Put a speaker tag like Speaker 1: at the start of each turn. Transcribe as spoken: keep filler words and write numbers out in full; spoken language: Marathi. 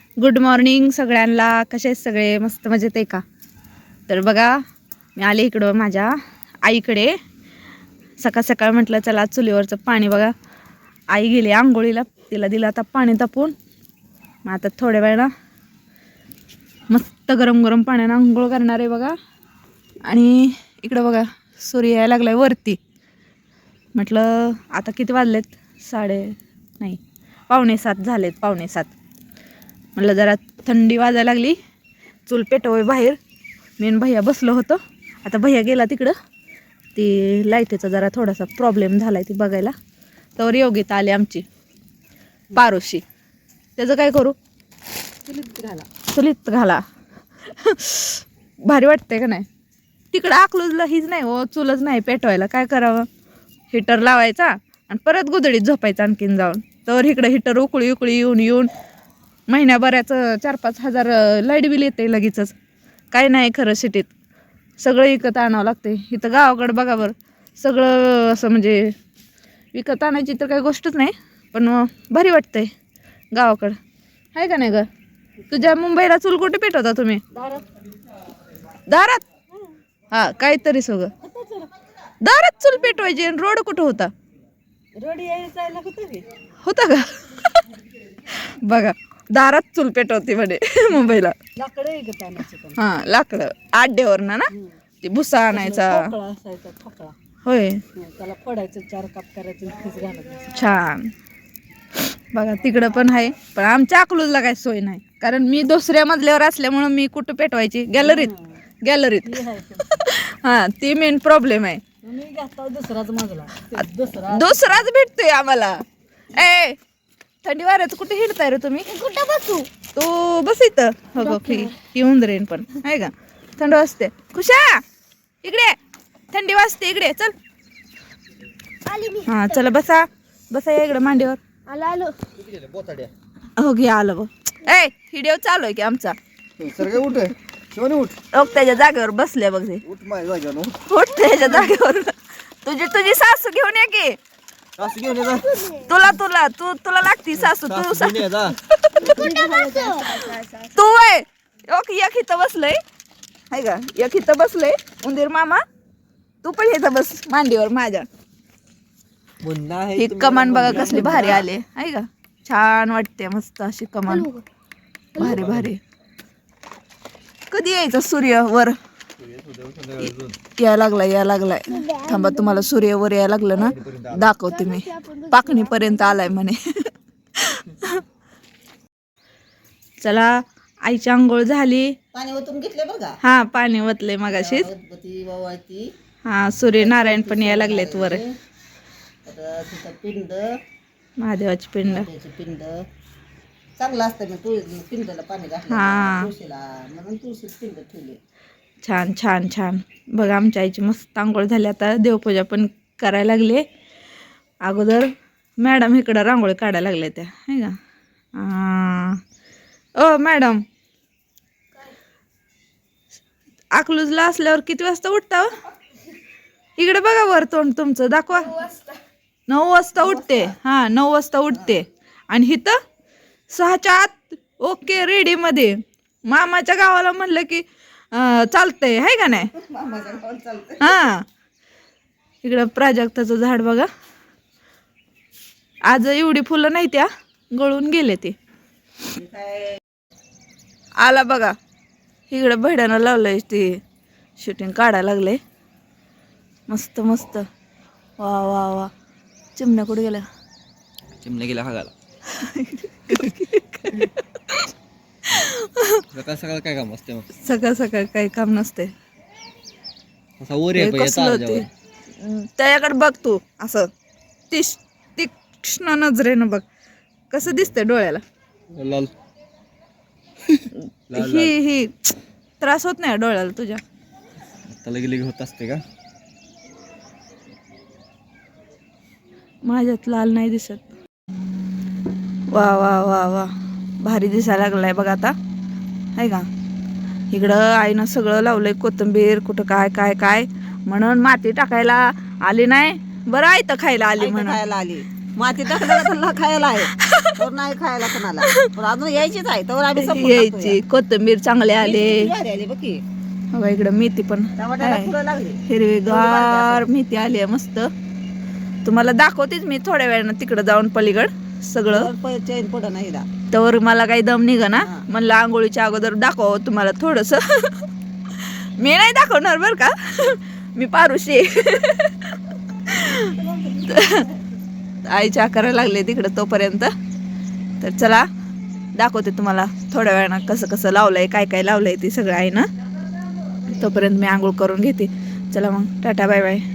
Speaker 1: गुड मॉर्निंग सगळ्यांना. कसे आहेत सगळे? मस्त मजेत आहे का? तर बघा मी आले इकडं माझ्या आईकडे. सकाळ सकाळ म्हटलं चला चुलीवरचं पाणी बघा. आई गेली आंघोळीला, तिला दिलं आता पाणी तापून. मग आता थोड्या वेळा मस्त गरम गरम पाण्यानं आंघोळ करणार आहे बघा. आणि इकडं बघा सूर्य यायला लागलाय वरती. म्हटलं आता किती वाजलेत? साडे नाही पावणे सात झालेत, पावणे सात. म्हटलं जरा थंडी वाजायला लागली, चूल पेटवय बाहेर. मेन भैया बसलो होतो. आता भैया गेला तिकडं, ती लाईटीचा जरा थोडासा प्रॉब्लेम झाला आहे ती बघायला. तर योगिता आली आमची पारोशी. त्याचं काय करू? चुलीत घाला, चुलीत घाला. भारी वाटतंय का नाही? तिकडं अकलूजला हीच नाही हो, चुलच नाही पेटवायला. काय करावं? हिटर लावायचा आणि परत गुदडीत झोपायचं आणखीन जाऊन. तर इकडं हिटर उकळी उकळी येऊन येऊन महिन्याभराचं चार पाच हजार लाईट बिल येते लगेचच. काय नाही खरं सिटीत सगळं विकत आणावं लागते. इथं गावाकडं बघा बरं, सगळं असं म्हणजे विकत आणायची तर काही गोष्टच नाही. पण भारी वाटतंय गावाकडं, आहे का नाही ग? तुझ्या मुंबईला चूल कुठे पेटवता तुम्ही? दारात? हा काहीतरी सगळं दारात चूल पेटवायची. आणि रोड कुठं होता? रोड यायला होता का? बघा दारात चूल पेटवते म्हणे मुंबईला. लाकडं हा लाकडं आड्यावर ना ना ते भुसा आणायचा. होय त्याला फोडायचं, चार काप करायचं. छान. बघा तिकडं पण आहे, पण आमच्या अकलूजला काही सोय नाही. कारण मी दुसऱ्या मजल्यावर असल्यामुळं मी कुठं पेटवायची? गॅलरीत. गॅलरीत हा ती मेन प्रॉब्लेम आहे. दुसराच मजला, दुसराच भेटतोय आम्हाला. ए थंडी वाऱ्याचं कुठे हिंडताय रे तुम्ही? कुठं बसू? तू बस इथं. हो गो फी येऊन रेन पण आहे का? थंड वाजते. खुशा इकडे, थंडी वाजते इकडे. चल हा चला बसा बसा या इकडे मांडीवर. आलो आलो हो घे आलो बघ. ए हिडिओ चालू आहे की आमचा?
Speaker 2: उठ उठ
Speaker 1: त्याच्या जागेवर बसले बघ.
Speaker 2: उठ माझ्या जागेवर
Speaker 1: उठ त्याच्या जागेवर. तुझी तुझी सासू घेऊन ये की. तुला तुला तू तुला लागती सासू. तू तू वय एक इथं बसलय आहे का? एक इथं बसलय उंदीर मामा. तू पण इथं बस मांडीवर माझ्या. ही कमान बघा कसली भारी आले आहे का? छान वाटते मस्त अशी कमान. भारी भारी. कधी यायचं सूर्य वर? या लागलाय या लागलाय. थांबा तुम्हाला सूर्य वर यायला लागलं ना दाखवते मी. पाकणी पर्यंत आलाय म्हणे. चला आईची आंघोळ झाली.
Speaker 2: पाणी ओतून घेतले बघा.
Speaker 1: हा पाणी ओतले मगाशीच. हा सूर्यनारायण पण यायला लागलेत वर.
Speaker 2: पिंड,
Speaker 1: महादेवाची पिंड.
Speaker 2: पिंड चांगलं असतं. मी तुळस पिंडला पाणी घातलं
Speaker 1: हा
Speaker 2: तुळशीला, म्हणून तुळशीत पिंड ठेवली.
Speaker 1: छान छान छान. बघा आमच्या आईची मस्त आंघोळ झाली. आता देवपूजा पण करायला लागले. अगोदर मॅडम इकडं रांगोळी काढायला लागले त्या आहे का? ओ मॅडम अकलूजला असल्यावर किती वाजता उठता? इकडे बघा वर तोंड तुमचं दाखवा. नऊ वाजता उठते. हा नऊ वाजता उठते. आणि इथं सहाच्या आत ओके रेडी मध्ये. मामाच्या गावाला म्हणलं की चालतंय आहे का नाही? हा इकडं प्राजक्ताचं झाड बघा. आज एवढी फुलं नाही त्या गळून गेले ते. आला बघा इकडं भेड्यानं लावलंय ते शूटिंग काढायला लागले. मस्त मस्त. वा वा वा. चिमण्या कुठे गेल्या?
Speaker 2: चिमण्या गेला हागाला. सकाळ सकाळ काय काम असते मग?
Speaker 1: सकाळ सकाळ काही काम नसते. त्याच्याकडे बघ तू असं तीक्ष तीक्ष्ण नजरेनं बघ कसं दिसतंय डोळ्याला.
Speaker 2: लाल
Speaker 1: ही ही त्रास होत नाही डोळ्याला तुझ्या?
Speaker 2: आता लगे लगे होत असते का?
Speaker 1: माझ्यात लाल नाही दिसत. वा वा वा वा भारी दिसायला लागलाय बघा आता आहे का? इकडं आईनं सगळं लावलंय कोथिंबीर कुठं काय काय काय म्हणून माती टाकायला आली नाही. बरं आहे तर खायला आली म्हणून
Speaker 2: आली. माती टाकलं त्यांना खायला आहे तर नाही खायला कोणाला पण अजून यायचीच आहे तर आम्ही संपून
Speaker 1: यायची कोथिंबीर चांगले आले
Speaker 2: टाकतोय. आली बघ की
Speaker 1: बघा इकडं मेथी पण
Speaker 2: टमाट्याला
Speaker 1: आहे.
Speaker 2: फुलं लागली
Speaker 1: हिरवीगार मेथी आली आहे मस्त. तुम्हाला दाखवतेच मी थोड्या वेळानं तिकडं जाऊन पलीकड सगळं.
Speaker 2: चैन पड नाही दा
Speaker 1: तर मला काही दम निघा ना
Speaker 2: हा.
Speaker 1: म्हणलं आंघोळीच्या अगोदर दाखव तुम्हाला थोडस. मी नाही दाखवणार बर का मी पारुशी. आईच्या करायला लागले तिकडं तोपर्यंत. तर चला दाखवते तुम्हाला थोड्या वेळानं कसं कसं लावलंय काय काय लावलंय ते सगळं आहे ना. तोपर्यंत मी आंघोळ करून घेते. चला मग टाटा बाय बाय.